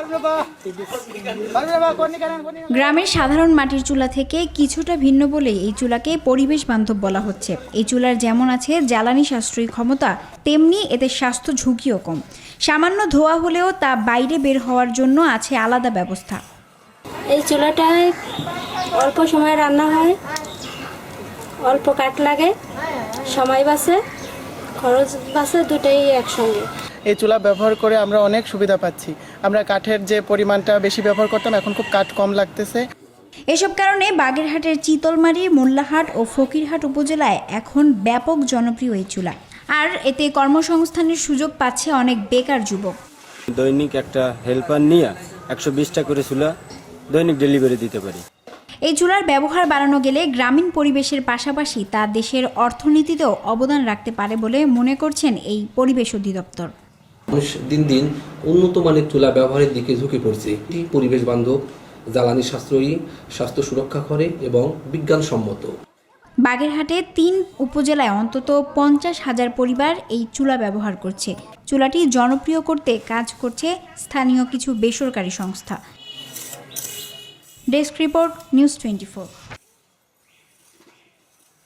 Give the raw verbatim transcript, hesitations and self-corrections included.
গ্রামের সাধারণ মাটির চুলা থেকে কিছুটা ভিন্ন বলেই এই চুলাকে পরিবেশ বান্ধব বলা হচ্ছে। এই চুলার যেমন আছে জ্বালানি সাশ্রয়ী ক্ষমতা, তেমনি এতে স্বাস্থ্য ঝুঁকিও কম। সামান্য ধোয়া হলেও তা বাইরে বের হওয়ার জন্য আছে আলাদা ব্যবস্থা। এই চুলাটায় অল্প সময় রান্না হয়, অল্প কাঠ লাগে, সময় বাঁচে, খরচ বাঁচে, দুটোই একসঙ্গে। এই চুলা ব্যবহার করে আমরা অনেক সুবিধা পাচ্ছি। আমরা কাঠের যে পরিমাণটা বেশি ব্যবহার করতাম, এখন খুব কাঠ কম লাগতেছে। এসব কারণে বাগেরহাটের চিতলমারী, মোল্লাহাট ও ফকিরহাট উপজেলায় এখন ব্যাপক জনপ্রিয় এই চুলা। আর এতে কর্মসংস্থানের সুযোগ পাচ্ছে অনেক বেকার যুবক। দৈনিক একটা হেল্পার নিয়ে একশো বিশটা করে চুলা দৈনিক ডেলিভারি দিতে পারি। এই চুলার ব্যবহার বাড়ানো গেলে গ্রামীণ পরিবেশের পাশাপাশি তা দেশের অর্থনীতিতেও অবদান রাখতে পারে বলে মনে করছেন এই পরিবেশ অধিদপ্তর। দিন দিন উন্নত মানের চুলা ব্যবহারের দিকে ঝুঁকে পড়ছে। এটি পরিবেশ বান্ধব, জ্বালানি সাশ্রয়ী, স্বাস্থ্য সুরক্ষা করে এবং বিজ্ঞানসম্মত। বাগেরহাটে তিন উপজেলায় অন্তত পঞ্চাশ হাজার পরিবার এই চুলা ব্যবহার করছে। চুলাটি জনপ্রিয় করতে কাজ করছে স্থানীয় কিছু বেসরকারি সংস্থা। Desk report, news twenty four.